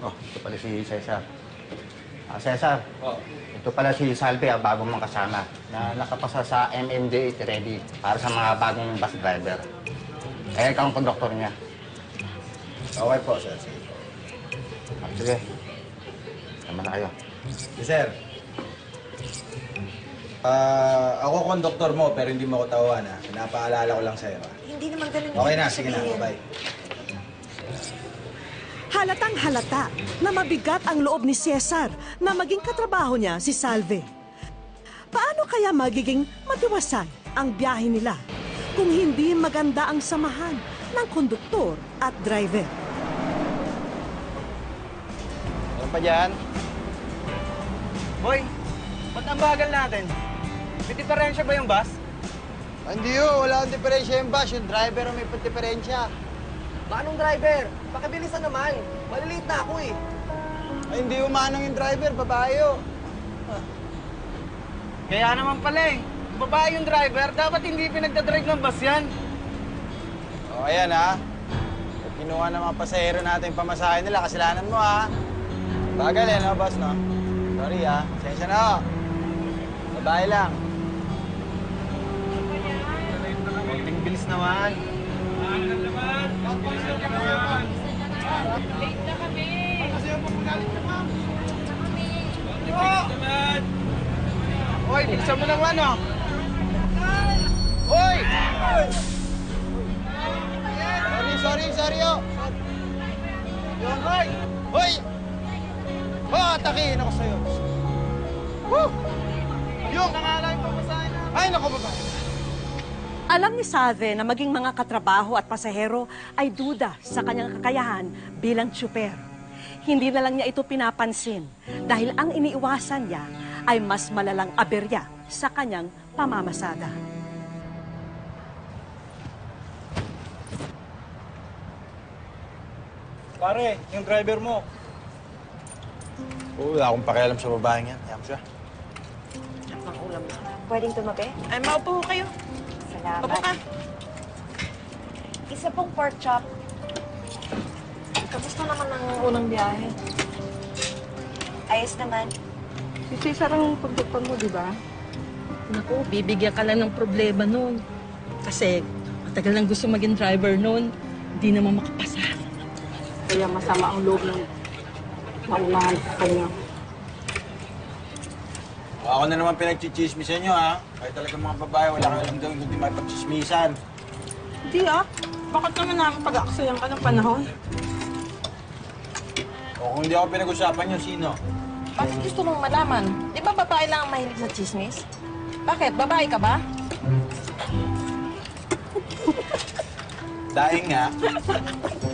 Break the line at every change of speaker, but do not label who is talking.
Oh, ito pala si Cesar. Cesar,
Oh.
ito pala si Salve, bago mong kasama, na nakapasa sa MMDA ready para sa mga bagong bus driver. Eh, ikaw ang konduktor niya.
Okay po, sir. Sige po.
Sige. Tama na kayo.
Yes, sir. Ako konduktor mo, pero hindi mo ako tawan, ha? Pinapaalala ko lang sa'yo, ha?
Hindi naman ganun.
Okay na,
ibig
sige na.
sabihin.
Bye.
Halatang halata na mabigat ang loob ni Cesar na maging katrabaho niya si Salve. Paano kaya magiging matiwasay ang biyahe nila kung hindi maganda ang samahan ng konduktor at driver?
Ano pa dyan?
Boy, ba't ang bagal natin? May diferensya ba yung bus?
Hindi ho, wala akong diferensya yung bus. Yung driver ang may diferensya.
Manong driver? Pakibilisan naman. Maliliit na ako eh.
Ay, hindi umanong yung driver, babae ho.
Kaya naman pala eh. Babae yung driver, dapat hindi pinagdadrive ng bus yan.
O, ayan ha. At kinuha ng mga pasahero natin yung pamasahe nila. Kasalanan mo ha. Bagal eh, no, boss, no? Sorry ha. Sensya na ho. Babae lang.
Konting bilis naman. Hoy, bilisan mo naman oh. Hoy!
Sorry ho. Yun, hoy! Hoy! Oh, atakihin ako sa'yo. Woo! Yung!
Nangalay pa masahin na.
Ay, naku, babae.
Alam ni Salve na maging mga katrabaho at pasahero ay duda sa kanyang kakayahan bilang tsuper. Hindi na lang niya ito pinapansin dahil ang iniiwasan niya ay mas malalang aberya sa kanyang pamamasada.
Pare, yung driver mo. Wala akong pakialam sa babaeng yan. Kaya mo siya.
Pwedeng tumabi?
Ay, maupo ko kayo.
Salamat.
Upo ka.
Isa pong pork chop.
Kamusta naman ang unang biyahe?
Ayos naman.
Si Cesar ang pagduktan mo, di ba? Naku, bibigyan ka lang ng problema nun. Kasi matagal nang gusto maging driver nun. Hindi naman makapasa. Kaya masama ang loob ng maunahan sa kanya.
Ako na naman pinagchichismisan nyo, ha? Kahit talagang mga babae, wala kang alam daw hindi makipagchismisan.
Hindi Bakit naman namin pag-aaksayan ka ng panahon?
O kung hindi ako pinag-usapan nyo, sino?
Bakit gusto mong malaman? Di ba babae lang ang mahilig sa chismis? Bakit? Babae ka ba?
Daing nga.